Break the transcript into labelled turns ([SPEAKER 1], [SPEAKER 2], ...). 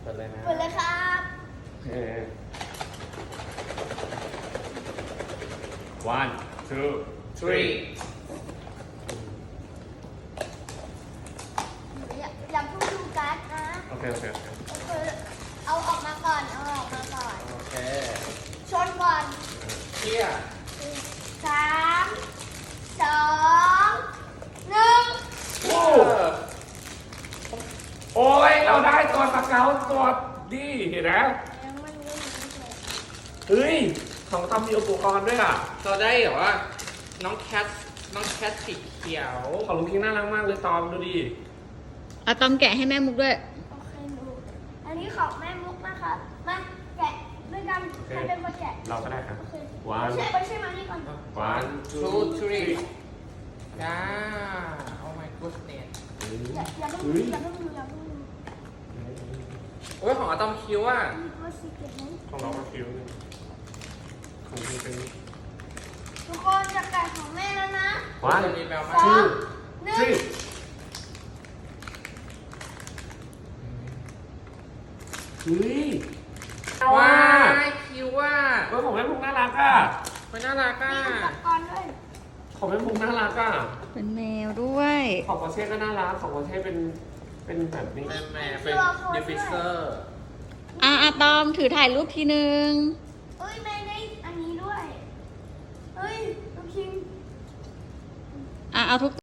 [SPEAKER 1] ปิดเลยนะ
[SPEAKER 2] เปิดเลยครับ
[SPEAKER 3] One, two, three
[SPEAKER 2] อย่าเพิ่งดูการ์ดนะ
[SPEAKER 3] โอเค
[SPEAKER 2] ก็คือเอาออกมาก่อนเอาออกมาก่อน
[SPEAKER 1] โอเค
[SPEAKER 2] ชนก่อน
[SPEAKER 1] เชี่ย
[SPEAKER 2] 3 2 1
[SPEAKER 3] โอ้โอ้ยเราได้ตัวสเกลตัวดีเห็นไหม
[SPEAKER 2] ยังไม่รู้ไม่เสร็จ
[SPEAKER 3] เฮ้ยของตอมมีอุปกรณ์ด้วยอ่ะ
[SPEAKER 1] เราได้แบบว่าน้องแคทสีเขียว
[SPEAKER 3] ของลุงคิงน่ารักมากเลยตอมดูดิ
[SPEAKER 4] เอาตอมแกะให้แม่มุกด้วย
[SPEAKER 2] โอเคดูอันนี้ของแม่มุกนะครับมาแกะด้วยกันใครเป็นคนแกะ
[SPEAKER 3] เราก็ได้ครับ
[SPEAKER 2] โอเค
[SPEAKER 3] One
[SPEAKER 2] ไม่ใช่มานี่ก่อน
[SPEAKER 3] One,
[SPEAKER 1] two three จ้า oh my goodness
[SPEAKER 2] อย่าเพิ่งดูอย่าเพิ่งดูอย่าเพิ่งดู
[SPEAKER 1] โอ้ยของอะตอมคิวอ่ะ
[SPEAKER 2] มีตัวสีเก็ตไหม
[SPEAKER 3] ของเราก็คิวนึงของคุณเป็น
[SPEAKER 2] ทุกคนจะแกะของแม่แล้วนะ
[SPEAKER 3] One,
[SPEAKER 1] จะมีแมวมา
[SPEAKER 3] two,
[SPEAKER 2] หนึ่ง
[SPEAKER 3] three เฮ้ยเอา
[SPEAKER 1] ว้า
[SPEAKER 3] ว่ะ
[SPEAKER 1] ยคิวอ่ะ
[SPEAKER 3] เฮ้ยของแม่พุงน่ารักอ่ะ
[SPEAKER 1] มันน่ารักอ่ะ
[SPEAKER 2] มีอุปกรณ์ด้วย
[SPEAKER 3] ของแม่พุงน่ารักอ่ะ
[SPEAKER 4] เป็นแมวด้วย
[SPEAKER 3] ของปอร์เช่ก็น่ารักของปอร์เช่เป็นแบบนี้
[SPEAKER 1] เป็นแม่เป็นดิฟิเซอร์
[SPEAKER 4] อะตอมถือถ่ายรูปทีนึง
[SPEAKER 2] เอ้ยแม่ได้อันนี้ด้วยเฮ้ยลูกคิง
[SPEAKER 4] เอาทุก